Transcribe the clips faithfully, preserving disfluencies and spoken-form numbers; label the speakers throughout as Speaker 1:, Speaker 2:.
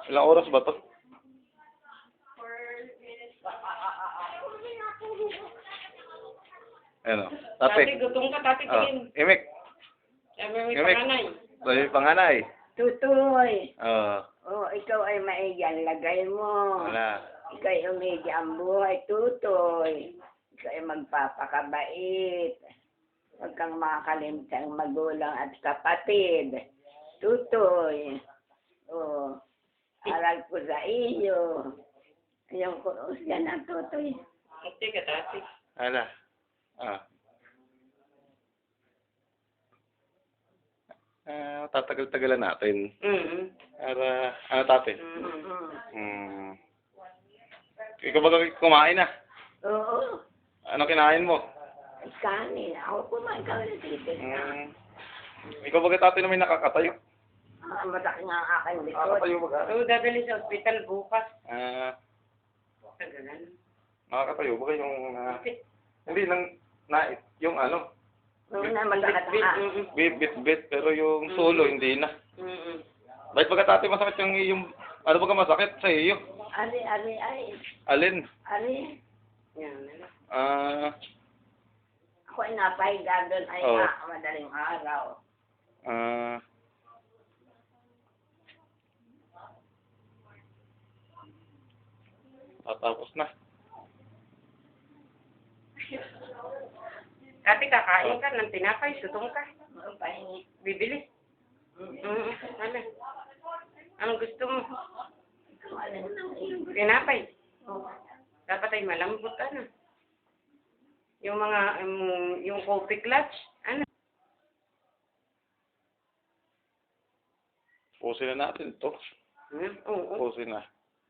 Speaker 1: Ilang oras ba to? Ano? Tate.
Speaker 2: Tati, gutom ka, tati,
Speaker 1: Oh,
Speaker 2: tingin.
Speaker 1: imik.
Speaker 2: Sabi may
Speaker 1: Imik.
Speaker 2: panganay.
Speaker 1: Sabi panganay.
Speaker 3: Tutoy.
Speaker 1: Oo.
Speaker 3: Oh, ikaw ay maigan lagay mo.
Speaker 1: Wala.
Speaker 3: Ikaw ay umigi ang buhay, tutoy. Ikaw ay magpapakabait. Huwag kang makakalimutan ang magulang at kapatid. Tutoy. Oh, aral ko sa iyo. Ayong kuros yan ang tutoy.
Speaker 2: Ate ka, tati.
Speaker 1: Ala. Ah. Ah, tatagal-tagalan natin.
Speaker 2: Mm-hmm.
Speaker 1: Para, ano tate?
Speaker 2: Mm-hmm.
Speaker 1: Hmm. Ikaw ba kumain na?
Speaker 3: Oo.
Speaker 1: Ano kinain mo?
Speaker 3: Kanin. Ako kumain ka ulit dito.
Speaker 1: Hmm. Ikaw ba tate naman nakakatayo?
Speaker 3: Ah, masakit nga ang aking likod.
Speaker 1: Nakakatayo ba ka?
Speaker 2: Oo, dadali sa ospital bukas.
Speaker 1: Ah,
Speaker 2: Tagalan.
Speaker 1: nakakatayo ba yung, ah,
Speaker 2: Bakit?
Speaker 1: hindi lang, na, yung ano,
Speaker 3: Oo na, masakit
Speaker 2: Bit,
Speaker 3: ang
Speaker 2: mm-mm.
Speaker 1: bit, bit, bit, pero yung solo, hindi na.
Speaker 2: Mm-mm.
Speaker 1: Bakit ba tate masakit yung, yung, ano ba ka masakit sa iyo?
Speaker 3: Ari, ari, ay.
Speaker 1: Alin?
Speaker 3: Ari.
Speaker 2: Yan, ano.
Speaker 1: Ah,
Speaker 3: Ako ay napahiga doon ay
Speaker 1: Oo.
Speaker 3: ah, madaling araw.
Speaker 1: ah, tatapos na.
Speaker 2: Ate, kakain ka ng tinapay, sutong ka.
Speaker 3: Ang pahingi.
Speaker 2: Bibili. Mm-mm. Ano? Anong gusto mo?
Speaker 3: Kung alin ang iyong
Speaker 2: Tinapay.
Speaker 3: gusto.
Speaker 2: Dapat ay malambot, ano. Yung mga, um, yung coffee clutch, ano.
Speaker 1: Pusin na natin ito.
Speaker 2: Hmm? Oo.
Speaker 1: Pusin na.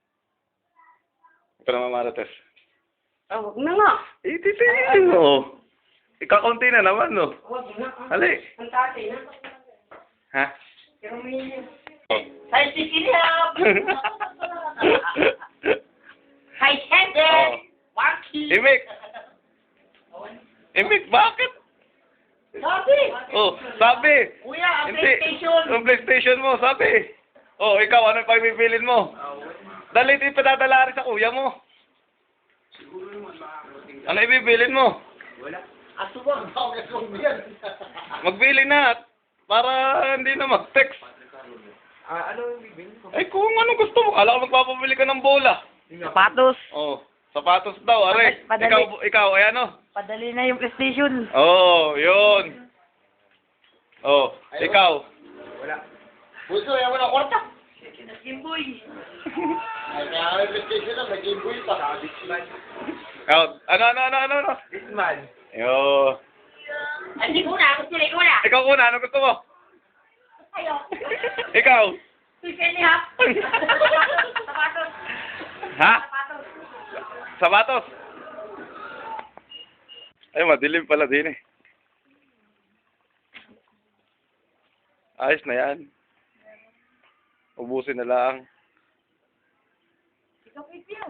Speaker 1: Ikaw naman, Marites.
Speaker 2: Ah, huwag na nga.
Speaker 1: Eh, titigil mo. Ikakunti na naman, no?
Speaker 2: Huwag na.
Speaker 1: Hali.
Speaker 2: Ang tatay na.
Speaker 1: Ha?
Speaker 2: Pero may yun.
Speaker 1: Oh.
Speaker 3: Say, sikilap! Say, sende!
Speaker 1: Oh.
Speaker 3: Waki!
Speaker 1: Imik! Imik, bakit?
Speaker 3: Sabi!
Speaker 1: Oh, sabi!
Speaker 3: Kuya, ang
Speaker 1: Hindi.
Speaker 3: PlayStation!
Speaker 1: Yung PlayStation mo, sabi. Oh, ikaw, ano yung pagbibilin mo? Dali, ito ipadadala rin sa kuya mo. Ano ibibilin mo?
Speaker 3: Asuwag daw na yan.
Speaker 1: Magbili na. Para hindi na mag-text.
Speaker 4: Ah, ano yung bibili ko?
Speaker 1: Ay, kung ano gusto mo. Kala ko magpapabili ka ng bola.
Speaker 3: Sapatos.
Speaker 1: Oh, sapatos daw, are.
Speaker 3: Padali.
Speaker 1: Ikaw, ikaw, ay ano?
Speaker 3: Padali na yung PlayStation.
Speaker 1: Oh, yun. Oh, ikaw.
Speaker 4: Wala.
Speaker 3: Puso, yan mo na kwarta.
Speaker 2: Jimboy.
Speaker 3: Ay, kaya may PlayStation na, may Game Boy pa.
Speaker 4: Disman.
Speaker 1: Out. Ano, ano, ano, ano, ano?
Speaker 4: Disman.
Speaker 1: Yo.
Speaker 3: Hindi ko na, gusto ko na.
Speaker 1: Ikaw una, ano gusto mo?
Speaker 3: Ayo.
Speaker 1: Ikaw.
Speaker 3: Pipili ha. Sapatos.
Speaker 1: Ha?
Speaker 3: Sapatos.
Speaker 1: Sapatos. Ay, madilim pala din eh. Ayos na yan. Ubusin na lang.